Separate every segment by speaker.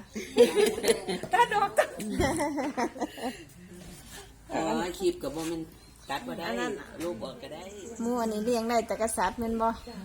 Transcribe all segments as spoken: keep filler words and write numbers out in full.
Speaker 1: ตัดออก
Speaker 2: อ๋อคลิปกับโมมันตัดบ่ได้รูปออกก็ได้
Speaker 3: หมูอันนี้เลี้ยงได้แต่กษัตริย์แม่นบ่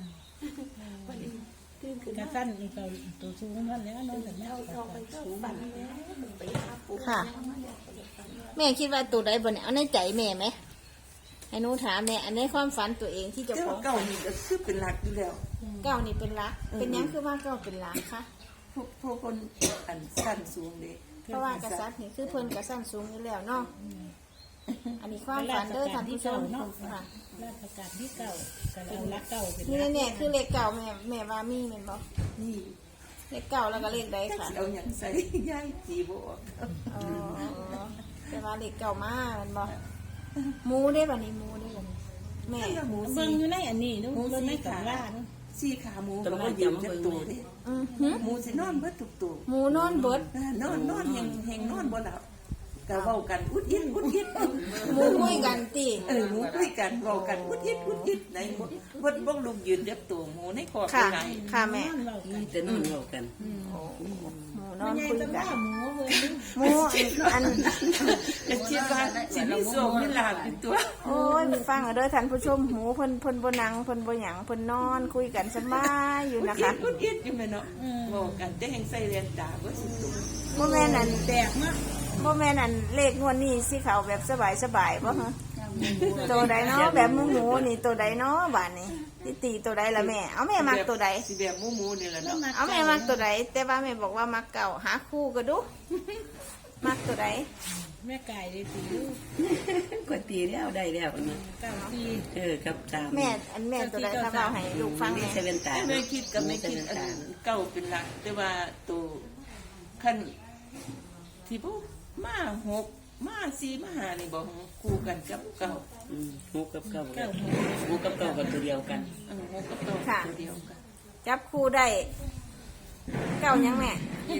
Speaker 1: กระสั้นอีกตัวตัวสูงนั่นแล้วน้องแต่แม่เอาไปสูง
Speaker 3: ค่ะ แม่คิดว่าตัวใดบ่เนี่ยเอาในใจแม่ไหมให้หนูถามแม่อันในความฝันตัวเองที่เจะของ
Speaker 4: เก่านี่ก็คือเป็นหลักอยู่แล้ว
Speaker 3: เก้านี่เป็นหลัก เป็นหยังคือว่าเก้าเป็นหลักคะ
Speaker 4: พวกพวกคนอันสั้นสูงเด้
Speaker 3: เพราะว่ากษัตริย์นี่คือเพิ่นกษัตริย์สูงอยู่แล้วเนาะอันนี้ความฝันเด้อท่านผู้ชมค่ะ
Speaker 1: ราชการที่เก่าก็เอารักเก่าเป็น
Speaker 3: นี่แน่ๆคือเลขเก่าแม่แม่ว่ามีแม่นบ่
Speaker 4: นี่
Speaker 3: เลขเก่าแล้วก็เลขใด
Speaker 4: ถ้า
Speaker 3: ค่ะ
Speaker 4: สิเอาหยังใส่ย้ายสีบ่ออก
Speaker 3: อ๋อแต่ว่าเลขเก่ามาแม่นบ่หมูได้บัดนี้หมูได้บัดนี้แม่
Speaker 4: ถ้าหมู
Speaker 1: เบิ่
Speaker 4: สี
Speaker 1: งอยู่ในอันนี้นู้นเบิ่งในตำราเนาะ
Speaker 4: สีขาหมูก็บ่ยืนจักตัวเด้
Speaker 3: อือหือ
Speaker 4: หมูสินอนเบิดทุกตัว
Speaker 3: หมูนอนเบิด
Speaker 4: นอนนอนแหงแหงนอนบ่หลับก็เว้ากันอุดอิดอุดอิด
Speaker 3: หมูคุยกันติ
Speaker 4: เออหมูคุยกันเว้ากันอุดอิดอุดอิดในบ่บ่บ่ลุกยืนจักตัวหมูในคอก
Speaker 3: ค่ะ
Speaker 4: ไง
Speaker 3: ค่ะแม่
Speaker 1: เรากัน
Speaker 2: แต่นอนเล่ากัน
Speaker 3: หมูน
Speaker 1: มั
Speaker 3: อน น
Speaker 1: ใหญ่
Speaker 3: คุย
Speaker 1: จัง
Speaker 3: กั
Speaker 1: ว่าน หมูเบิ่ง
Speaker 3: หมูอัน
Speaker 4: จะคิดว่าสิมีโชคมีลาภอยู่ตัว
Speaker 3: โอ้ยฟังเอาเด้อท่านผู้ชมหมูเพิ่นเพิ่นบ่นั่งเพิ่นบ่หยังเพิ่นนอนคุยกันสบายอยู่นะคะ
Speaker 4: อุดอิดอยู่แม่เนาะบอกกันแต่แห่งใส่เรียนตาเบ่สุดตัว
Speaker 3: บ่แม่นอัน
Speaker 1: แตกมาก
Speaker 3: บ่แม่นอันเลขงวดนี้สิเขาแบบสบายสบายบ่ฮะตัวใดเนาะแบบหมูหมูนี่ตัวใดเนาะบาดนี้สิตีตัวใดล่ะแม่เอาแม่มักตัวใด
Speaker 4: สิแบบหมูหมูนี่แหละเนาะ
Speaker 3: เอาแม่มักตัวใดแต่ว่าแม่บอกว่ามักเก่าหาคู่ก็ดูมักตัวใด
Speaker 1: แม่ไก่ได้ตีลูก
Speaker 2: ก็ตีแล้วได้แล้วนะ
Speaker 1: เก้าปี
Speaker 2: เออกับสาม
Speaker 3: แม่อันแม่ตัวใดถ้าเราให้ลูกฟัง
Speaker 2: นี่
Speaker 3: แม่
Speaker 2: เซเว่นตา
Speaker 4: ไม่คิดกับไม่คิดอันเก่าเป็นหลักแต่ว่าตัวขั้นที่พวกมาหกมาสี่มาห้านี่บอกคู่กันกับเก่า
Speaker 2: อืมหกกับเก้า
Speaker 1: เก้า
Speaker 2: หกกับเก้าก็ตัวเดียวกัน
Speaker 4: เออหกกับเก่าตัวเดียวกัน
Speaker 3: จับคู่ได้เก่ายังแม่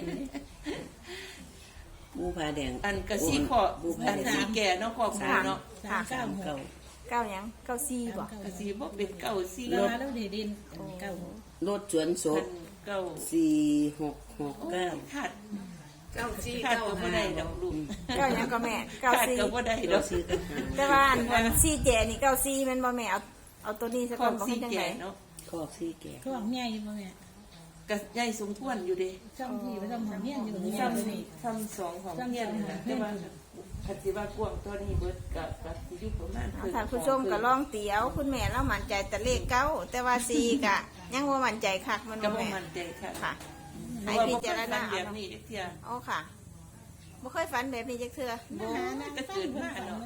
Speaker 2: บูผาแดง
Speaker 4: อันกระซี่ขอ
Speaker 2: บูผา
Speaker 4: อัน
Speaker 2: แดง
Speaker 4: สีแก่เนาะขอบหมูเนาะ
Speaker 1: สามเก้าหก
Speaker 2: เก้า
Speaker 3: เก่ายังเก่าซีบ่
Speaker 4: กระซี่บ่เป็นเก่าสี่
Speaker 1: แล้วแล้วเดดินเก้าหก
Speaker 2: รถสวนศ
Speaker 4: พั
Speaker 2: พ
Speaker 4: นเก่า
Speaker 2: สี่หกหก
Speaker 4: โอ้
Speaker 2: เก้า
Speaker 4: ขาด
Speaker 5: เก้าสี่
Speaker 4: ขาด
Speaker 5: เก้า
Speaker 4: ก็บ่
Speaker 5: ห้า
Speaker 4: ได้ดอกลูก
Speaker 3: เก่ายังก็แม่เก่า
Speaker 4: ขาด
Speaker 3: ซี
Speaker 4: ก็บ่ได้ด
Speaker 2: เรา
Speaker 4: อก
Speaker 2: ซื้อกันหา
Speaker 3: แต่ว่าอันอันซีเจนี่เก่าซีแม่นบ่แม่เอาเอาตัวนี้สัก
Speaker 4: ข
Speaker 3: ค
Speaker 4: อน บ
Speaker 3: บ่
Speaker 4: สี
Speaker 3: ให้จัง
Speaker 4: แก่
Speaker 3: ได
Speaker 4: เนาะ
Speaker 2: คอกสี่แก่
Speaker 1: ท้องใหญ่บ่แม่
Speaker 4: กระใหญ่สมควรอยู่เด้
Speaker 1: ช่องที่ไปช่องหอมเมียนอยู่นี่
Speaker 4: ซ้
Speaker 1: นี่
Speaker 4: ำซ้ำสองของเพียนนะแต่ว่าคันสิว่ากวางตัวนี้เบิดกับกับสิอยู่ประมาณ
Speaker 3: เอาท่านผู้ชมก็ลองเตียวคุณแม่เรามั่นใจแต่เลขเก้าแต่ว่าซีกะยังบ่มั่นใจคักมัน
Speaker 4: ก็
Speaker 3: บ่
Speaker 4: บ่
Speaker 3: แม่
Speaker 4: มั่นใจค่ะ
Speaker 3: ค่ะ
Speaker 4: ให้
Speaker 3: ให้
Speaker 4: พิ
Speaker 3: พิ
Speaker 4: จา
Speaker 3: จาร ร
Speaker 4: ณา
Speaker 3: ณา
Speaker 4: แบ
Speaker 3: เอา
Speaker 4: บนี้จักเที่ย
Speaker 3: อ๋อค่ะบ่เคยฝันแบบนี้จักเทื่อ
Speaker 4: บ่ก็เกิดมาเนาะ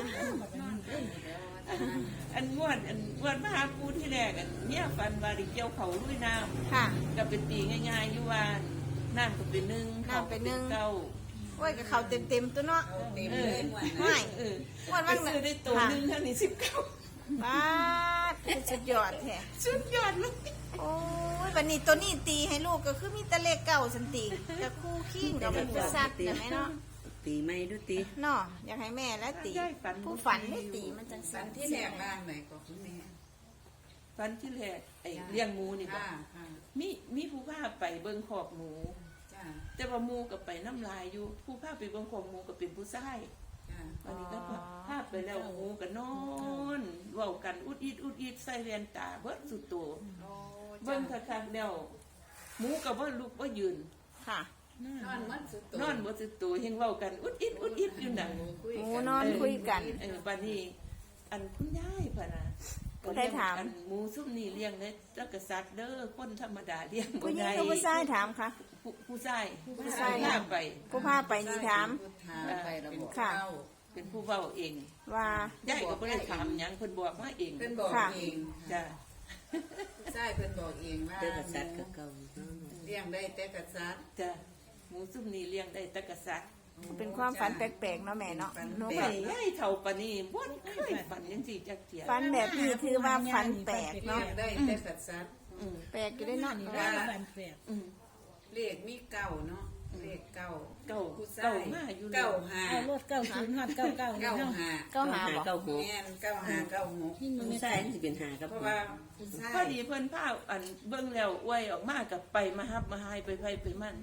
Speaker 4: อันงวดอันงวดมาหาปูที่แรกอันเนี่ยฟันว่าดิเกี่ยวเขาลุยน้ำ
Speaker 3: ค่ะ
Speaker 4: ก็เป็นตีง่ายๆอยู่ว่าน้ำก็เป็นหนึ่ง
Speaker 3: น้ำเป็นหนึ่ง
Speaker 4: เก้า
Speaker 3: โอ้ยก็เข้าเต็มๆตัวเนาะ
Speaker 5: เต็ม
Speaker 4: เอ
Speaker 5: เล
Speaker 4: อย
Speaker 5: หมด
Speaker 3: ไม่
Speaker 4: เออ
Speaker 3: วัน
Speaker 4: ไป
Speaker 3: วัน
Speaker 4: ซื้อได้ตัวหนึ่งเท่านี้สิบเก้า
Speaker 3: บ้าดสุดยอดแท้
Speaker 4: สุดยอดเลย
Speaker 3: โอ้ยวันนี้ตัวนี้ตีให้ลูกก็คือมีแต่เลขเก่าสันติกับคู่ขี้งกับเป็นสัตว์อย่างไรเนาะ
Speaker 2: ตีไม่ดูตี
Speaker 3: เนาะอยากให้แม่และตีผู้ฝันไม่ตีมันจังสั
Speaker 5: สั
Speaker 3: น
Speaker 5: นที่แหลกบ้านไหนก็คุณแม่
Speaker 4: ฟันที่แรกไอ้เลี้ยงหมูนี่บ่
Speaker 5: ค่ะค่ะ
Speaker 4: มีมีผู้พาไปเบิ่งขอกหมู
Speaker 5: จ้า
Speaker 4: แต่ว่าหมูก็ไปน้ำลายอยู่ ผู้พาไปเบิ่งขอกหมูก็เป็นผู้ชาย
Speaker 5: จ้า
Speaker 4: วันนี้ก็พาไปแล้วหมูก็นอนเว้ากันอุดอิดอุดอิดใส่แว่นตาเบิดสุดโต
Speaker 5: โอ้
Speaker 4: เบิ่งคักๆแล้วหมูก็บ่ลุกบ่ยืน
Speaker 3: ค่ะ
Speaker 5: นอนมันสุด
Speaker 4: นอนบ่สุดโตเฮงเว้ากันอุดอิดอุดอิดอยู่นั่น
Speaker 3: หมูนอนคุยกัน
Speaker 4: เออบัดนี้อันคุณยายพ่ะนะ
Speaker 3: ผู้ใดถาม
Speaker 4: อันหมูซุ่มนี่เลี้ยงได้จักษัตริย์เด้อคนธรรมดาเลี้ยงบ่
Speaker 3: ผู้หญิง
Speaker 4: ได้
Speaker 3: กับผู้ชายถามค่ะ
Speaker 4: ผู้ผู้ชาย
Speaker 3: ผู้ชาย
Speaker 4: พาไป
Speaker 3: ผู้พาไปนี่ถาม
Speaker 5: ถามไประบบ
Speaker 3: ค่ะ
Speaker 5: เข้า
Speaker 4: เป็นผู้เว้าเอง
Speaker 3: ว่า
Speaker 4: ยายก็บ่ได้ถามหยังเพิ่นบอกมาเอง
Speaker 5: เพิ่นบอก
Speaker 3: ค่ะ
Speaker 5: เอง
Speaker 4: จ้ะ
Speaker 5: ใช่เพิ่นบอกเองว่า
Speaker 2: เจ้ากษัตริย์ก็เก่า
Speaker 5: เลี้ยงได้แต่กษัตริย์
Speaker 4: จ้ะหมูซุ่มนี่เลี้ยงได้จักษัตริย์
Speaker 3: เป็นความฝันแปลกๆเนาะแม่เนาะหนู
Speaker 4: ไป
Speaker 3: ก็
Speaker 4: ยายเฒ่าปานนี้บ่เคยฝันจังซี่จักเที่ย
Speaker 3: ฝันแบบนี้ถือว่าฝันแปลก
Speaker 5: เลี้
Speaker 3: เนาะ
Speaker 5: ยงได้แต่กษัตริย์
Speaker 4: อืม
Speaker 3: แปลกอยู่ได้เนาะ
Speaker 1: นี่ได้บันแปด
Speaker 4: อืม
Speaker 5: เลขมีเก้าเนาะเลขเก้า
Speaker 4: เก้า
Speaker 5: ผู้ชา
Speaker 4: เก้าย มาอยู่
Speaker 5: เก้าห้า
Speaker 1: เอารถเก้าศูนย์ฮอดเก้าเก้า
Speaker 5: เก้า
Speaker 1: เนาะ
Speaker 5: ห้า
Speaker 3: เก้าหาบอก
Speaker 2: เก้าหก
Speaker 5: แม่นเก้าห้าเก้าหก
Speaker 1: ที่มัน
Speaker 2: ผู้
Speaker 1: ไม่
Speaker 2: ชา
Speaker 1: ใส่
Speaker 2: ยมันจะเป็นหากับ
Speaker 5: เพราะว่าผู้ชา
Speaker 4: พอย ดีเพิ่นพาอันเบิ่งแล้วอวยออกมากับไปมาฮับมาหายไปไผไปมัน
Speaker 2: ม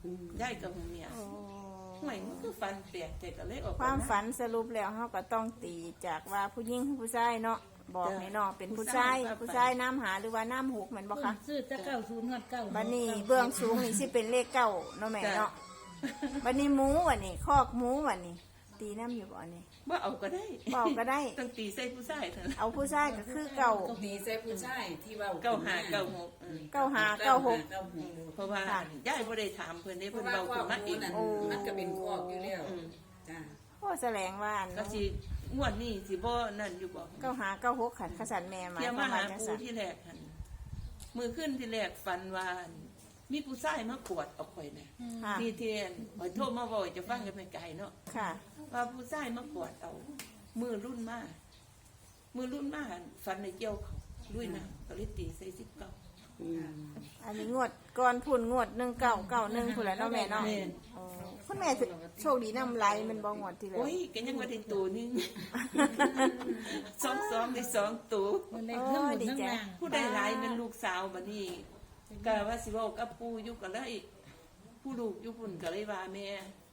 Speaker 4: ยายกับเมีย
Speaker 3: โอ้
Speaker 4: ห่วยมันคือฟันแปลกแต่ก็เลยออก
Speaker 3: ความฝันสรุปแล้วเฮาก็ต้องตีจากว่าผู้หญิงหรือผู้ชายเนาะบอกให้น้องเป็นผู้ชายผู้ชายน้ำหาหรือว่าน้ำหกแม่นบ่คะ
Speaker 1: ซื้อจะเก้าศูนย์ฮอดเก้า
Speaker 3: บัดนี้เบื้องสูงนี่สิเป็นเลขเก้าเนาะแม่เนาะบัดนี้หมูบัดนี้คอกหมูบัดนี้ ตีน้ำอยู่บ่นี่
Speaker 4: ว่าเอาก็ได้
Speaker 3: บอกก็ได้
Speaker 4: ต้องตีใส่ผู้ชายเถอะ
Speaker 3: เอาผู้ชายก็คือเก่า
Speaker 5: มีใส่ผู้ชายที่เว้า
Speaker 4: เก้าหาเก้าหกอืม
Speaker 3: เก้าหาเก้าหก
Speaker 5: เก้าหก
Speaker 4: เพราะว่า
Speaker 3: ค่ะ
Speaker 4: ยายบ่ได้ถามเพิ่นได้
Speaker 5: เพ
Speaker 4: เพิ่
Speaker 5: ราะ
Speaker 4: น
Speaker 5: ว่า
Speaker 4: เบา
Speaker 5: ค
Speaker 4: ขึ้
Speaker 5: วาน ม
Speaker 4: มา
Speaker 5: รู้
Speaker 4: เอง
Speaker 5: นั่นมันก็เป็นคอกอยู่แล้ว
Speaker 4: อืม
Speaker 5: จ้า
Speaker 3: โอ้แสดงว่าอัน
Speaker 4: ก็
Speaker 3: เนาะ
Speaker 4: สิงวดนี้สิบ่นั่นอยู่บ่
Speaker 3: เก้าหาเก้าหกขันขสันแม่หมาย
Speaker 4: เที่ยว
Speaker 3: ควา
Speaker 4: าม หา
Speaker 3: ว่าจัง
Speaker 4: ปู
Speaker 3: ซั่น
Speaker 4: ที่แรกหั่นมือขึ้นที่แรกฝันว่ามีผู้ชายมากวดเอาข่อยน่ะ
Speaker 3: ค่ะ
Speaker 4: นี่เทียนข่อยโทรมาบ่อยจะฟังกันไปไกลเนาะ
Speaker 3: ค่ะ
Speaker 4: ว่าผู้ชายมากวดเอามือรุ่นมามือรุ่นมาหั่นฝันในเกี่ยวเขาลุยน้ำก็เลยตีใส่สิบเก้า
Speaker 3: อันนี้งวดก่อนพุ่นงวดหนึ่งเก้าเก้าหนึ่งพุ่นแหล้วเนาะแม่เนาะ
Speaker 4: แม่น
Speaker 3: โอ้คุณแม่โชคดีนำไรมันบ่งวดที่แล้ว
Speaker 4: โอ้ยก็ยังว่าได้ตัวหนึง สองสองได้สองตัว
Speaker 1: มันได้เครื่องหมุนทั้งล่าง
Speaker 4: ผู้ใดหลายเป็นลูกสาวบัดนี้ก็ว่าสิเว้ากับปู่อยู่ก็เลยผู้ลูกอยู่พุ่นก็เลยว่าแม่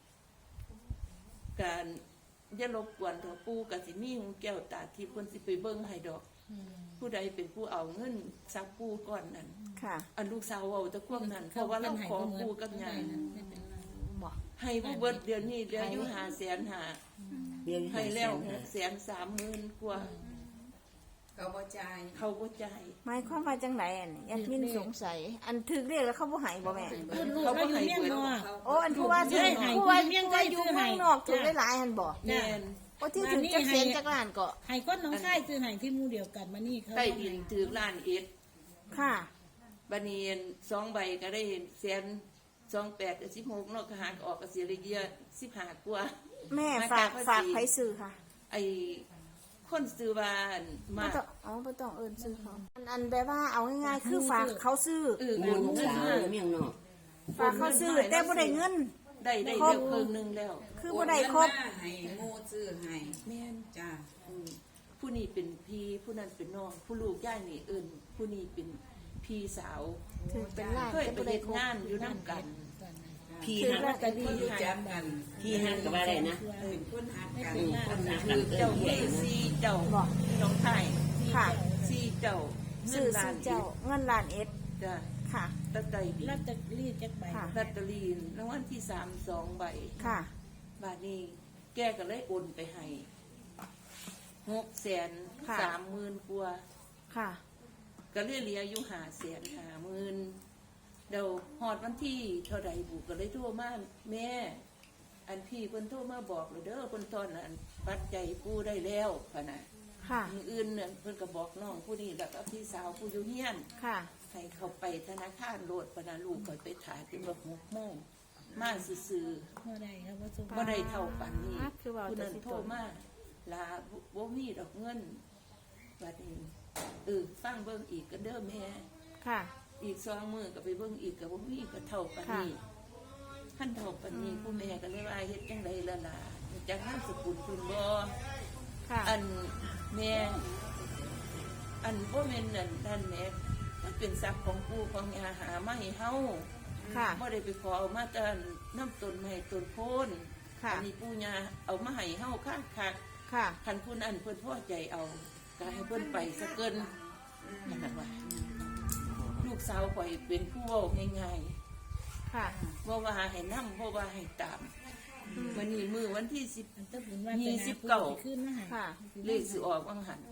Speaker 4: การอย่ารบกวนเถอะปู่ก็สิมีหูแก้วตาทิพย์เพิ่นสิไปเบิ่งให้ดอก ผู้ใดเป็นผู้เอาเงินซักปู่ก่อนนั้น
Speaker 3: ค่ะ
Speaker 4: อันลูกสาวเอาแตะควมนั้นเพราะว่าเราขอปู่กับยาย
Speaker 3: บอก
Speaker 4: ให้ผู้เบิดเดือนนี้เหลืออยู่ห้าแสนห้า
Speaker 2: เรียน
Speaker 4: ให้แล้วหกแสนสามหมื่นกว่า
Speaker 5: เขาบ่จ่าย
Speaker 4: เขาบ่จ่าย
Speaker 3: หมายความว่าจังไหนอันนี้ยัดมินสงสัย อันถึกเรียกแล้วเขาบ่ใหายบ่แม่
Speaker 1: คุณลูกเราอยู่เมียงนอก
Speaker 3: โอ้อันผู้ว่าถึง
Speaker 1: ให้
Speaker 3: ผู้ว่า
Speaker 1: เมียง
Speaker 3: ผู้ว่าอยู่
Speaker 1: ซื้อให้
Speaker 3: เมืองนอกถึงหลายๆอันบ่
Speaker 4: แม่น
Speaker 3: โอ้ที่ถึงจักเสียนจักล้านก็
Speaker 1: ให้คนน้องชายซื้อให้ที่หมู่เดียวกันมานี่เขา
Speaker 4: ใต้ดินถือล้านเอ็ด
Speaker 3: ค่ะ
Speaker 4: บัดนี้สองใบก็ได้แสนสองแปดกับสิบหกเนาะก็หารออกก็เสียเลยเยอะสิบห้ากว่า
Speaker 3: แม่ฝากฝากไผซื้อค่ะ
Speaker 4: ไอ้คนซื้อบ้าน
Speaker 3: บ่
Speaker 4: มา
Speaker 3: ต้องอ๋อบ่ต้องเอิ้นซื้อเขาอันอันแบบว่าเอาง่ายๆคือฝากเขาซื้อ
Speaker 4: เออ
Speaker 2: หมูลูกสาวเมียงนอก
Speaker 3: ฝากเขาซื้อแต่บ่ได้เงิน
Speaker 4: ได้ได้เดียวครึ่งหนึงแล้ว
Speaker 3: คือบ่ได้ครบ
Speaker 5: โอนเงินมาให้หมู่ซื้อให้
Speaker 4: แม่น
Speaker 5: จ้า
Speaker 4: อืมผู้นี้เป็นพี่ผู้นั้นเป็นน้องผู้ลูกย่ายนี่เอิ้นผู้นี้เป็นพี่สาว
Speaker 3: ถือเป็นล้าน
Speaker 4: เคย
Speaker 3: แต่
Speaker 4: ไป
Speaker 3: บ่ได้
Speaker 4: เฮ็ด
Speaker 3: ครบ
Speaker 4: งานอยู่นํกัน
Speaker 2: พี่
Speaker 3: ถือ
Speaker 2: ฮัก
Speaker 3: ลอตเตอ
Speaker 5: คน
Speaker 3: รี่
Speaker 5: รู้จักกัน
Speaker 2: พี่ฮักกับว่าอะไรนะ
Speaker 5: เป็นคนหักกัน
Speaker 2: อืมคนฮักกั
Speaker 4: คื
Speaker 2: น
Speaker 4: อ
Speaker 2: เอิ้
Speaker 4: เจ้าน
Speaker 2: ใหญ่
Speaker 4: พี่
Speaker 2: นะ
Speaker 4: ซีเจ้า
Speaker 3: บอก
Speaker 4: น้องไทย
Speaker 3: ค่ะ
Speaker 4: ซีเจ้าเงิ
Speaker 3: ซื้อน
Speaker 4: ล้า
Speaker 3: ซื้
Speaker 4: น
Speaker 3: อเจ้าเงินล้านเอ็ด
Speaker 4: จ้ะ
Speaker 3: ค่ะ
Speaker 4: ตะไตดี
Speaker 1: รับจะรีดจักใบ
Speaker 3: ค่ะ
Speaker 4: ลอตเตอรี่รางวัลที่สามสองใบ
Speaker 3: ค่ะ
Speaker 4: บาทนี้แกก็เลยโอนไปให้หกแสน
Speaker 3: ค่ะ
Speaker 4: สามหมื่นกว่า
Speaker 3: ค่ะ
Speaker 4: ก็เลยเหลืออยู่ห้าแสนห้าหมื่นเดี๋ยวหอดวันที่เท่าใดบุกก็เลยโทรมาแม่ อันพี่เพิ่นโทรมาบอกเลยเด้อเพิ่นตอนนั้นปัดใจยกู้ได้แล้วพะนะ
Speaker 3: ค่ะ
Speaker 4: มืออื่นเนี่ยเพิ่นก็บอกน้องผู้นี้แล้วก็พี่สาวผู้อยู่เฮียน
Speaker 3: ค่ะ
Speaker 4: ให้เขาไปธนาคารโลดพะนะลูกก็ไปถ่ายจนว่าหกโมงมาซื่อๆ
Speaker 1: เมื่อใดครับว่าส่ง
Speaker 4: บ่ได้เท่าปันนี้
Speaker 3: อ่าคือว่า
Speaker 4: ผู้นั้น
Speaker 3: จะสิ
Speaker 4: โทรมาลาบ่มีดอกเงินบัดนี้เออฟังเบิ่งอีกก็เด้อแม่
Speaker 3: ค่ะ
Speaker 4: อีกสองมื้อก็ไปเบิ่งอีกก็บ่มีก็เท่าปันนี้คันเท่าปันนี้ผู้แม่ก็เลยว่าเฮ็ดจังไดล่ะล่ะจักนามสกุลเพิ่นบ่
Speaker 3: ค่ะ
Speaker 4: อันแม่อันบ่แม่นนั่นนั่นแม่มันเป็นทรัพย์ของปู่ของย่าหามาให้เฮา
Speaker 3: ค่ะ
Speaker 4: บ่ได้ไปขอเอามาแต่น้ำต้นไม้ต้นโพน
Speaker 3: ค่ะ
Speaker 4: อันนี้ปู่ย่าเอามาให้เฮาคักคัก
Speaker 3: ค่ะ
Speaker 4: คันผู้นั้นเพิ่นพอใจเอาก็ให้เพิ่นไปซะเกินนั่นน่ะว่าลูกสาวข่อยเป็นผู้เว้าง่าย
Speaker 3: ค่ะ
Speaker 4: ๆบ่ว่าให้นำบ่ว่าให้ตามวันนี้มื้อวันที่สิบ
Speaker 1: อันต้องบุญว่า
Speaker 4: ยี่สิบเก้า
Speaker 1: ขึ้นมาให้
Speaker 3: ค่ะ
Speaker 4: เลขสิออกวังหัน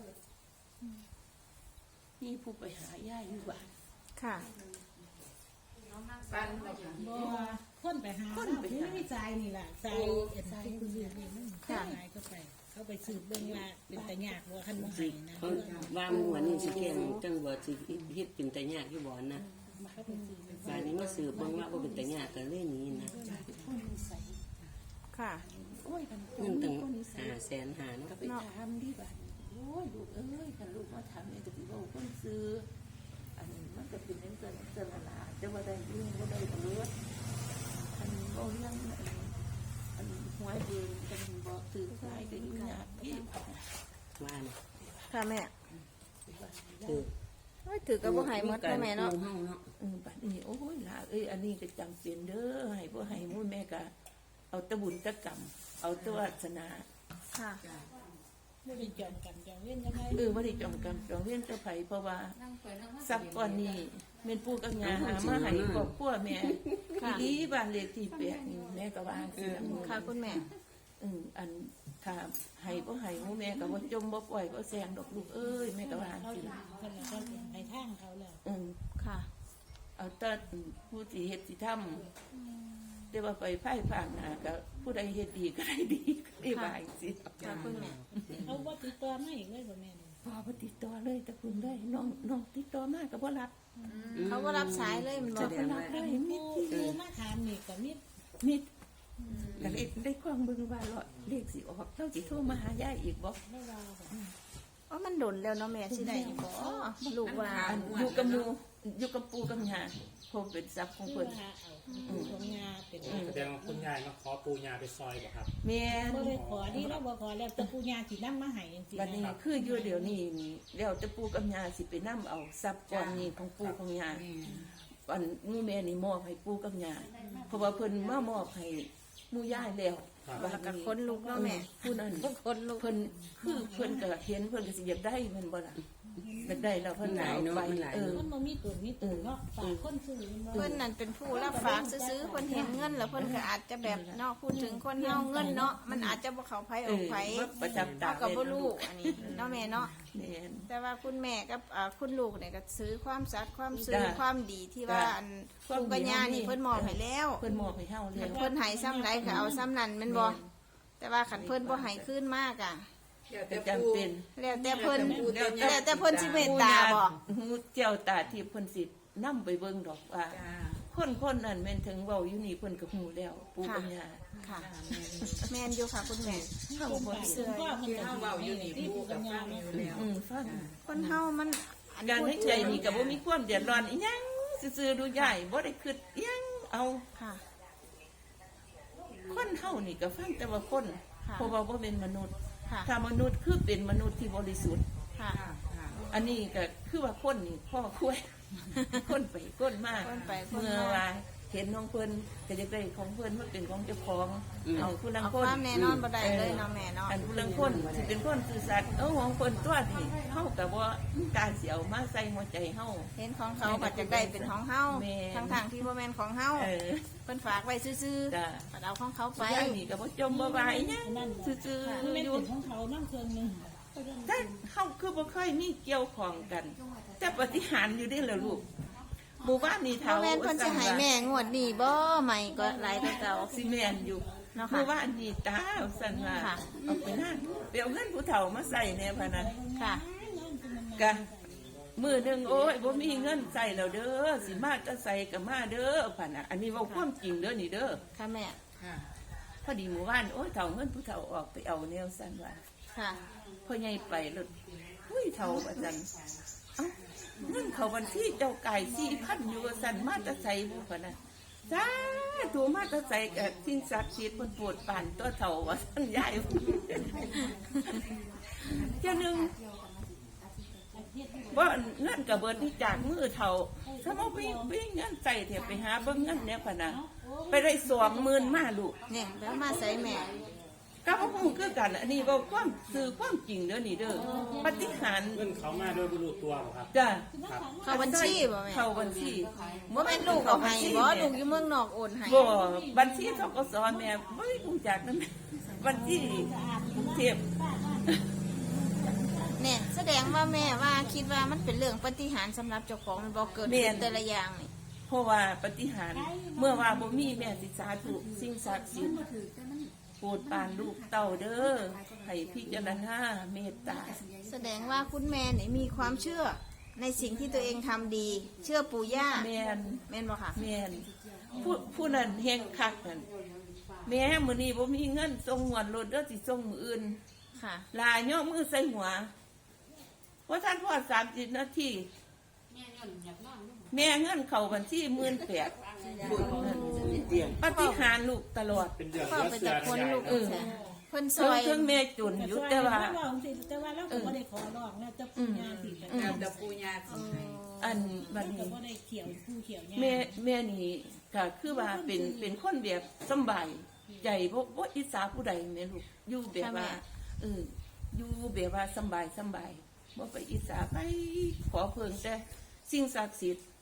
Speaker 4: มีผู้ไปหาย่าอยู่บ้าน
Speaker 3: ค่ะ
Speaker 5: ฟันบ่จ้ะ
Speaker 1: บ่คนไปหาคนไปหาไม่ใจนี่ล่ะใจเอ็นที่คุณเรียนนี่มันใจก็ไป เขาไปสืบเบิ่งว่าเป็นตะยากว่าคันบ่ให้นะ
Speaker 2: เขาว่ามันหัวนี่สิแข็งจังบ่สิเฮ็ดเป็นตะยากที่บ่นะ
Speaker 1: เขาไปสืบเบิ่ง
Speaker 2: บาดนี้มาสืบเบิ่งว่าบ่เป็นตะยากก็เลยหนี้นะ
Speaker 4: คนนิสัย
Speaker 3: ค่ะ
Speaker 4: โอ้ยกัน
Speaker 2: เงินตั้ง
Speaker 4: คนนิสัย
Speaker 2: ห้าแสนห้าเนาะ
Speaker 4: ก็ไปถามดิบ้านโอ้ยลูกเอ้ยกันลูกมาถามเนี่ยจะไปบอกคนซื้ออันนี้มันก็เป็นเรื่องเกินเกินละลาจะว่าได้ยุ่งว่าได้ตำรวจอันนี้บ่เรื่องอันนี้อันนี้หวยเองกันบอกถือสายก็ยุ่งยากพี่
Speaker 2: ว่านะ
Speaker 3: ค่ะแม่
Speaker 2: คือ
Speaker 3: เอ้ยถือกับบ่ให้หมดพ่อแม่เนาะ
Speaker 2: เฮาเนาะ
Speaker 4: เออบัดนี้โอ้ยหลาเอ้ยอันนี้ก็จำเป็นเด้อให้บ่ให้หมู่แม่ก็เอาแตะบุญแตะกรรมเอาแตะวาสนา
Speaker 3: ค่ะ
Speaker 1: ไม่ได้จองกันจองเว้นยังไง
Speaker 4: เออบ่ได้จองกรรมจองเวรเจ้าไผเพราะว่าทรัพย์ก้อนนี้แม่นปู่กับย่าหามาให้ครอบครัวแม่ดีบ้านเลขที่แปดนี่แม่ก็ว่าจังซี่
Speaker 3: ค่ะคุณแม่
Speaker 4: อืมอันถ้าให้บ่ให้หมู่แม่ก็บ่จมบ่ปล่อยบ่แซงดอกลูกเอ้ยแม่ก็ว่า
Speaker 1: เขา
Speaker 4: จังซี่
Speaker 1: คนละเขาในทางเขาแล้ว
Speaker 4: อืม
Speaker 3: ค่ะ
Speaker 4: เอาแต่ผู้สิเฮ็ดสิทำแต่ว่าไปไพ่ผ่านหน้าก็ผู้ใดเฮ็ดดีก็ได้ดีก็ได้ว่าจังซี่
Speaker 3: ค่ะคุณแม่
Speaker 1: เขาว่าติดตัวไม่อีกเลยบ่แม่นี่
Speaker 4: พอบ่ติดต่อเลยแต่คุณเลยน้องน้องติดต่อมาก็บ่รับ
Speaker 3: เขาก็รับสายเลยมันบ
Speaker 2: แส
Speaker 3: อก
Speaker 2: ดงว่า
Speaker 1: ผู้ผู้มาถามนี่ก็มี
Speaker 4: มิดก็เลยได้ความเบิ่งว่าเลาะเลขสิออกเจ้าสิโทรมาหายายอีกบ่
Speaker 1: ไม่ว่าบ่
Speaker 3: ว่ามันดนแล้วเนาะแม่สิได้อยู่บ่ลูกว่า
Speaker 4: อันอยู่กับหมู่อยู่กับปู่กับย่าคงเป็นทรัพย์ของ
Speaker 1: คือ
Speaker 4: เพิ่น
Speaker 1: ว่าเอาของยาเป็น
Speaker 6: แสดงว่าคุณยายมาขอปูยาไปซอยบ่ครับ
Speaker 4: แม่น
Speaker 1: บ่ได้ขอที่เราบ่ขอแล้วแต่ผู้ยาสินำมาให้จังซี่
Speaker 4: บัดนี้คืออยู่เดี๋ยวนี้นี่แล้วแต่ปู่กับย่าสิไปนํเอาทรัพย์ก้อนนี้ของปู่ของย่า อันหมู่แม่นี่มอบให้ปู่กับย่าเพราะว่าเพิ่นมามอบให้หมู่ย่าแล้ว
Speaker 3: แล้วก็คนลูกเนาะแม่
Speaker 4: ผู้นั้น
Speaker 3: คนลูก
Speaker 4: เพิ่นคือเพิ่นก็เห็นเพิ่นก็สิอยากได้แมันบ่ล่ะอยากได้แล้วเพิ่นก็เอาไปเออ
Speaker 1: มันบ่มีตัวมีตัวเนาะฝากคนซื้อมันบ่
Speaker 3: เพิ่นนั่นเป็นผู้รับฝากซื้อๆเพิ่นเห็นเงินแล้วเพิ่นก็อาจจะแบบเนาะพูดถึงคนเฮาเงินเนาะมันอาจจะบ่เข้าไผ
Speaker 4: เอ
Speaker 3: ออก
Speaker 4: อ
Speaker 3: ไผ
Speaker 4: ว่าประจำตา
Speaker 3: เฮาก็บ่รู้อันนี้เนาะแม่เนาะ
Speaker 4: แม่น
Speaker 3: แต่ว่าคุณแม่กับอ่าคุณลูกเนี่ยก็ซื้อความสัตย์ความซื่อ
Speaker 4: จ้ะ
Speaker 3: ความดีที่ว่า
Speaker 4: จ้ะ
Speaker 3: อันปู่กับย่านี่เพิ่นมอบให้แล้ว
Speaker 4: เพิ่นมอบให้เฮาแล้ว
Speaker 3: เพิ่นให้ซ้ำใดก็เอาซ้ำนั้นแม่นบ่แต่ว่าคันเพิ่นบ่ให้คืนมากอ่ะ
Speaker 4: ก็จำเป็น
Speaker 3: แล้วแต่เพิ่นแล้วแต่เพิ่นสิเมตตาบ่
Speaker 4: ฮู้เจ้าตาที่เพิ่นสินำไปเบิ่งดอกว่า คนคนนั้นแม่นถึงเว้าอยู่นี่เพิ่นก็ฮู้แล้วปู่กับย่า
Speaker 3: ค่ะ แม่นอยู่ค่ะคุณแม่
Speaker 4: เฮาบ่
Speaker 1: เสื้อพ่อมัน
Speaker 5: ที่
Speaker 1: ก็
Speaker 5: เฮาเว้าอยู่นี่ปู่กับฟังอยู่แล้ว
Speaker 4: อืมฟัง
Speaker 3: คนเฮามันอัน
Speaker 4: การ
Speaker 3: พูด
Speaker 4: ให้ใจนี่ก็บ่มีความเดือดร้อนอีหยังซื่อๆดูใหญ่บ่ได้คิดอีหยังเอา
Speaker 3: ค่ะ
Speaker 4: คนเฮานี่ก็ฟังแต่ว่าคน
Speaker 3: ค่ะ
Speaker 4: เพราะว่าบ่เป็นมนุษย์
Speaker 3: ค่ะ
Speaker 4: ถ้ามนุษย์คือเป็นมนุษย์ที่บริสุทธิ์
Speaker 3: ค่ะ
Speaker 4: อันนี้ก็คือว่าคนนี่พ่อคุย คนไปคนมา
Speaker 3: คนไปคนมา
Speaker 4: เมื่อว่าเห็นของเพิ่นก็จะได้ของเพิ่นมันเป็นของเจ้าของเอาผู้ลัง
Speaker 3: เอา
Speaker 4: คน
Speaker 3: ความแน่นอนบ่ได้เลยเนาะแม่เนาะ
Speaker 4: อันผู้ลังคนสิเป็นคนซื่อสัตย์เอาของเพิ่นตัวนี่เฮาก็บ่การสิเอามาใส่หัวใจเฮา
Speaker 3: เห็นของเขาก็จะได้เป็นของเฮา
Speaker 4: แม่
Speaker 3: ทั้งทางๆที่บ่แม่นของเฮา
Speaker 4: เออ
Speaker 3: เพิ่นฝากไว้ซื่อ
Speaker 4: จ้ะ
Speaker 3: ๆก็เอาของเขาไป
Speaker 4: ย่างนี่ก็บ่จมบ่วายหยัง
Speaker 1: นั่น
Speaker 4: ซื่อ
Speaker 1: มัน
Speaker 4: ๆ
Speaker 1: เป็น
Speaker 4: อยู่
Speaker 1: ของเขาน้ำเครื่องนึง
Speaker 4: แต่เฮาคือบ่เคยมีเกี่ยวของกัน แต่ปฏิหารย์อยู่ได้แล้วลูกหมู่บ้านนี่
Speaker 3: บ่
Speaker 4: เท่า
Speaker 3: แม่นเพิ่นสิให้แม่งวดนี้บ่ใหม่ก็หลายกว่าเก่า
Speaker 4: สิแม่นอยู่
Speaker 3: เนาะ
Speaker 4: ห
Speaker 3: ค่ะ
Speaker 4: มู่บ้านนี่ตาสั่นว่า
Speaker 3: ค่ะ
Speaker 4: เอาไปนั่นไปเอาเงินผู้เฒ่ามาใส่แน่พะนั้น
Speaker 3: ค่ะ
Speaker 4: กะมื้อหนึงโอ้ยบ่มีเงินใส่แล้วเด้อสิมาจะใส่ก็มาเด้อพะน่ะอันนี้เว้าความจริงเด้อนี่เด้อ
Speaker 3: ค่ะแม่
Speaker 4: พอดีหมู่บ้านโอ้ยเฒ่าเงินผู้เฒ่าออกไปเอาแนวสั่นว่า
Speaker 3: ค่ะ
Speaker 4: พ่อใหญ่ไปรถหุ้ยเท่าอาจารย์เอ้าเงินเขาบัญชีเจ้าไก่สี่พันอยู่ว่าสันมาแตะใส่บุพนะจ้าตัวมาแตะใส่กับทิ้งศักดิ์สิทธิ์คนปวดป่านตัวเท่าว่าสันใหญ่เจ้าหนึ่งว่าเงินกับเบิร์ที่จากมือเท่าถ้ามาวิ่งวิ่งเงินใส่เถอะไปหาเบิ้งเงินเนี่ยพะนะไปได้สองหมื่นมาลูก
Speaker 3: เนี่ยแล้วมาใส่แม่
Speaker 4: ก็พ่อพูดคือกัน อันนี้ก็ความสื่อความจริงเด้อนี่เด้อปฏิหารย์
Speaker 6: เงินเขามาโดยบรูตัวบ่ครับ
Speaker 4: จ้ะ
Speaker 3: เข้าบัญชีบ่แม่
Speaker 4: เข้าบัญชี
Speaker 3: บ่แม่นลูกเอาให้บ่ลูกอยู่เมืองนอกโอนให้
Speaker 4: บ่บัญชีธกสแม่บ่มีรู้จักนั่นบัญชีกรุงเทพ
Speaker 3: เนี่ยแสดงว่าแม่ว่าคิดว่ามันเป็นเรื่องปาฏิหารย์สำหรับเจ้าของมันบ่เกิดขึ้นแต่ละอย่างนี่
Speaker 4: เพราะว่าปฏิหารย์เมื่อว่าบ่มีแม่สิสาธุสิ่งศักดิ์สิทธิ์โปรดปรานลูกเต้าเด้อให้พิจารณาเมตตา
Speaker 3: แสดงว่าคุณแม่นี่มีความเชื่อในสิ่งที่ตัวเองทำดี เชื่อปู่ย่า
Speaker 4: แม่น
Speaker 3: แม่นบ่ค่ะ
Speaker 4: แม่นผู้ผู้นั้นเฮงคักนั่นแม่มื้อนี้บ่มีเงินส่งหวนรถเด้อสิส่งมื้ออื่น
Speaker 3: ค่ะ
Speaker 4: ลายย่อมือใส่หัวว่าท่านพ่อสามสิบนาทีแม่เงินเข่าบัญชีหมื่นแปด
Speaker 2: เตียง
Speaker 4: ปฏิหารย์ลูกตลอด
Speaker 6: เป็นเดือน
Speaker 3: ก็
Speaker 6: เดือน
Speaker 3: ไป
Speaker 6: เสื
Speaker 3: แต่
Speaker 6: อ
Speaker 3: คน
Speaker 6: ใหญ่
Speaker 3: ลูก
Speaker 6: นะ
Speaker 3: เออเพิ่นซ
Speaker 4: เพิ่ง
Speaker 3: อย
Speaker 4: เพิ่งแม่จุนอยู่แต่ว่า
Speaker 1: แต่ว่าเราก็บ่ได้ขอร้องนะแต่ปู่ย่าสิ
Speaker 5: แล้วแต่ปู่ย่าสิให้
Speaker 4: ออันบัด
Speaker 1: ก็
Speaker 4: นี้
Speaker 1: บ่ได้เขียวผู้เขียวเนี่ย
Speaker 4: แม่แม่นี่ก็คือว่าเป็นเป็นคนแบบสำบายใจบ่บ่อิจฉาผู้ใดแม่ลูกอยู่แบบว่าเอออยู่แบบว่าสำบายสำบายบ่ไปอิจฉาไปขอเพิ่งแต่สิ่งศักดิ์สิทธิ์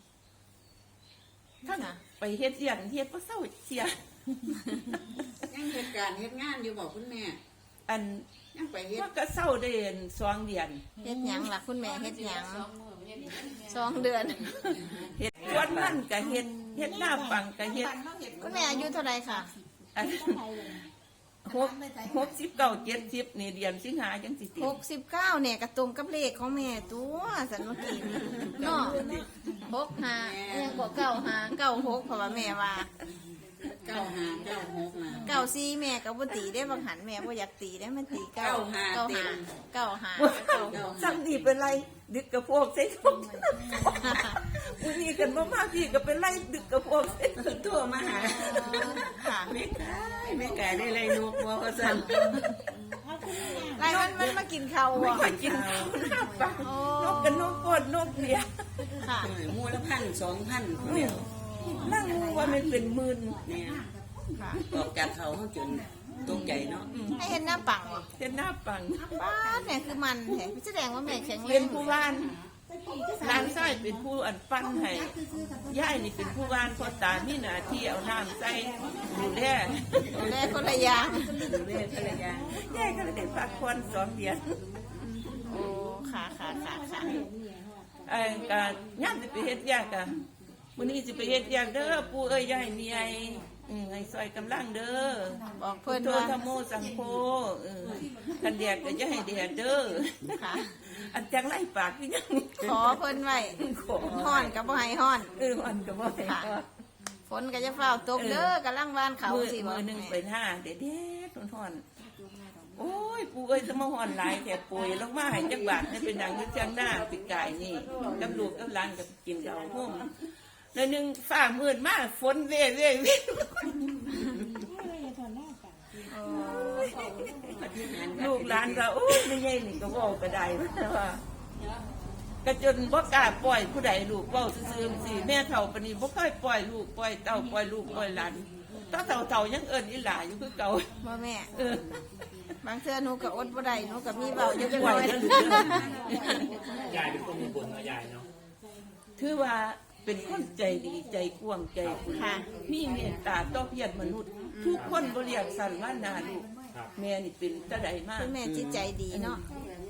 Speaker 4: ถ้าไปเฮ็ดเสียงเฮ็ดบ่เศร้าเสีย
Speaker 5: ยังเหตุการณ์เหตุงานอยู่บอกคุณแม่
Speaker 4: อัน
Speaker 5: ยังไปเฮ็ด
Speaker 4: ว่าก็เศร้าได้เดือนสองเดือน
Speaker 3: เฮ็ดหยังล่ะคุณแม่เฮ็ดหยังสองเดือน
Speaker 4: เฮ็ดสวนมันก็เฮ็ดเฮ็ดหน้าปังก็เฮ็ด
Speaker 3: คุณแม่อายุเท่าไหร่ค่ะ
Speaker 4: อันหกหกสิบเก้าเจ็ดสิบนี่เดือนสิงหาจังสิติ
Speaker 3: หกสิบเก้าเนี่ยกระตรงกับเลขของแม่ตัวสันเมื่อกี้นี่เนาะหกห้าเอียงก็เก้าห้าเก้าหกเพราะว่าแม่ว่า
Speaker 5: เก้าห้าเก้าหกนะ
Speaker 3: เก้าสี่แม่ก็บ่ตีได้บางหันแม่บ่อยากตีได้มันตีเก้า
Speaker 5: เก้าห้า
Speaker 3: เก้า
Speaker 5: เต็
Speaker 3: ห้าม เก้าห้าเก้าหก
Speaker 4: ซ้ำนี่เป็นไรดึกกระโพกใส่ทุกวันนี้กันบ่มาพี่ก็เป็นไรดึกกระโพกใส่
Speaker 5: โทรมาหา
Speaker 3: ค่ะ
Speaker 2: แม่กายแม่กายได้ไรนกบ่ก็สั่น
Speaker 1: เอาคุณแม่
Speaker 3: ไรมันมันมากินข้าว
Speaker 4: ไม่
Speaker 3: อ่ะ
Speaker 4: ค่อยกินข้าวหน้าปังนกกันนกปดนกเดีย
Speaker 3: ค่ะ
Speaker 2: เออหมู่ละพันสองพัน
Speaker 4: นั่งงูว่ามันเป็นหมื่น
Speaker 2: เนี่ย
Speaker 3: ค่ะ
Speaker 2: ออกจากเขาเฮาจนตกใจเนาะ
Speaker 3: ให้เห็นหน้าปังบ่
Speaker 4: เป็นหน้าปัง
Speaker 3: ป้าดเนี่ยคือมันแท้แสดงว่าแม่แข็งแร
Speaker 4: เป็น
Speaker 3: ง
Speaker 4: ผู้ว่านร้านไส้เป็นผู้อันปั้นให้ย่ายนี่เป็นผู้ว่านพ่อตามีหน้าที่เอาน้ำใส่ดูแล
Speaker 3: ดูแลคนละอย่าง
Speaker 2: ดูแลภรรยา
Speaker 4: ย่ายก็เลยได้พักผ่อนสองเดือน
Speaker 3: โอ้ค่ะค่ะค่ะค่ะ
Speaker 4: ไอ้การย่ามสิไปเฮ็ดยากอะวันนี้สิไปเฮ็ดยากเด้อปู่เอ้ยย่ายมีไอ้อืมให้ซอยกำลังเด้อ
Speaker 3: บอก
Speaker 4: พุ
Speaker 3: เพิ่
Speaker 4: ท
Speaker 3: น
Speaker 4: โธ
Speaker 3: ว่า
Speaker 4: ธรรมโมสังโฆเออกันแดดก็อย่าให้แดดเด้อ
Speaker 3: ค่ะ
Speaker 4: อันจังไล่ปากคือยัง
Speaker 3: ขอเพิ่นไว้
Speaker 4: ขอ
Speaker 3: ฮ้อนก็บ่ให้ฮ้อน
Speaker 4: เออมันก็บ่ให้ก็
Speaker 3: ฝนก็จะเฝ้าตกเด้อกำลังวานเขา
Speaker 4: มือ
Speaker 3: สิบ่
Speaker 4: มือหนึงไปหน้าเด็ดๆร้อนๆโอ้ยปู่เอ้ยจะมาฮ้อนหลายแต่ป่วยลงมาให้จักบาทให้เป็นดังอยู่จังหน้าปีกายนี่กับลูกกับหลานก็กินข้าวห่มแล้วนึงฟ้ามืดมากฝนเว่เว่เว่ ลูกหลานก็โอ้ยไม่ใช่นี่ก็เว่าก็ได้ว่าก็จนบ่กล้าปล่อยผู้ใดลูกเว้าซื่อๆสิแม่เฒ่าปานนี้บ่เคยปล่อยลูกปล่อยเต้าปล่อยลูกปล่อยหลานตาเฒ่าๆยังเอิ้นอีหลาอยู่คือเก่า
Speaker 3: บ่แม่
Speaker 4: เออบ
Speaker 3: างเทื่อหนูก็อดบ่ได้หนูก็มีเว้าอยู่จัง
Speaker 4: ปล่
Speaker 3: น้
Speaker 4: อย
Speaker 3: อย
Speaker 4: แล้วลูกเด้อย
Speaker 6: ายเป็นคนมีบุญเนาะยายเนาะ
Speaker 4: ถือว่าเป็นคนใจดีใจกว้างใจคุณมีเมตตาต่อเพียรมนุษย์ ทุกคนบ่เรียกสั่นว่านาลูกแม่นี่เป็นตาใดมาก
Speaker 3: คุณแม่จิตใจดีเนาะ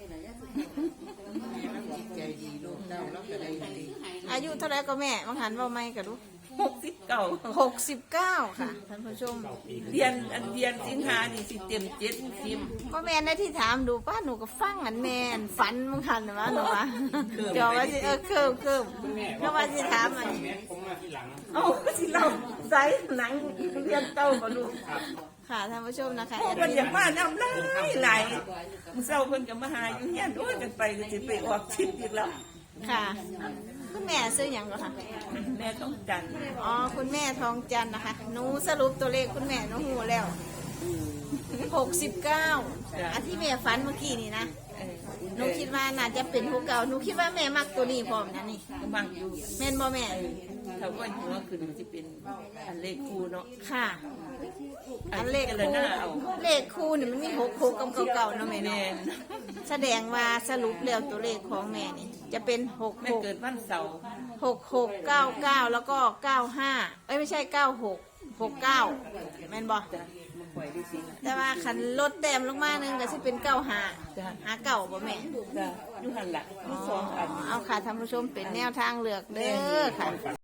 Speaker 5: จิตใจดีลูกเต้าแล้วก็ได้ดี
Speaker 3: อายุเท่าไหร่ก็แม่บางหันเว้าไม่ก็ดู
Speaker 4: หกสิบเก้า
Speaker 3: หกสิบเก้าค่ะท่านผู้ชม
Speaker 6: เก้าปี
Speaker 4: เรียนอันเรียนสิงหานี่สิเต็มเจ็ดสิบ
Speaker 3: ก็แม่ได้ที่ถามดูป้าหนูก็ฟังอันแม่อันฝันบางหันว่าหนูว่าจอว่าสิเออเคิมเคิมก็ว่าสิถามอัน
Speaker 6: แม่ผมมาที่หลัง
Speaker 4: เอ้าสิเราใส่หนังเรียนเต้าบ่ลูก
Speaker 3: ค่ะท่านผู้ชมนะคะ
Speaker 4: พวกมันอยากมาน้ำลายไหลมึงเศร้าเพิ่นก็มาหาอยู่เฮียนโอ้ยกันไปก็สิไปออกชิปอีกแล้ว
Speaker 3: ค่ะคุณแม่ซื้ออย่างก็ค่ะ
Speaker 4: แม่ต้องจัน
Speaker 3: อ๋อคุณแม่ทองจันทร์นะคะหนูสรุปตัวเลขคุณแม่หนูหูแล้วหกสิบเก้าอันที่แม่ฝันเมื่อกี้นี่นะ
Speaker 4: เออ
Speaker 3: หนูคิดว่าน่าจะเป็นผู้เก่าหนูคิดว่าแม่มักตัวนี้พร้อมนะนี่
Speaker 4: ก็มั่งอยู่
Speaker 3: แม่นบ่แม่
Speaker 4: ถ้าว่าหัวขึ้นมันสิเป็นอันเลขคู่เนาะ
Speaker 3: ค่ะ อันเลข
Speaker 4: อัน
Speaker 3: คู่
Speaker 4: หน้าเอา
Speaker 3: เลขคู่นี่มันมีหกหกกับเก่าๆเนาะแม่
Speaker 4: แม่
Speaker 3: เนาะแสดงว่าสรุปแล้วตัวเลขของแม่นี่ จะเป็นหก
Speaker 4: แม่
Speaker 3: หก
Speaker 4: เกิดวันเสาร์
Speaker 3: หกหกเก้าเก้าแล้วก็เก้าห้าเอ้ยไม่ใช่เก้าหกหกเก้าแม่นบ่
Speaker 4: จ้ะมาปล่อยได้สิ
Speaker 3: แต่ว่าคันลดแต้มลงมาหนึงก็สิเป็นเก้าห้า
Speaker 4: จ้ะ
Speaker 3: หาเก่าบ่แม่
Speaker 4: จ้ะอยู่หันหลังมีสองอัน
Speaker 3: เอาค่ะท่านผู้ชมเป็นแนวทางเลือกเด้อค่ะ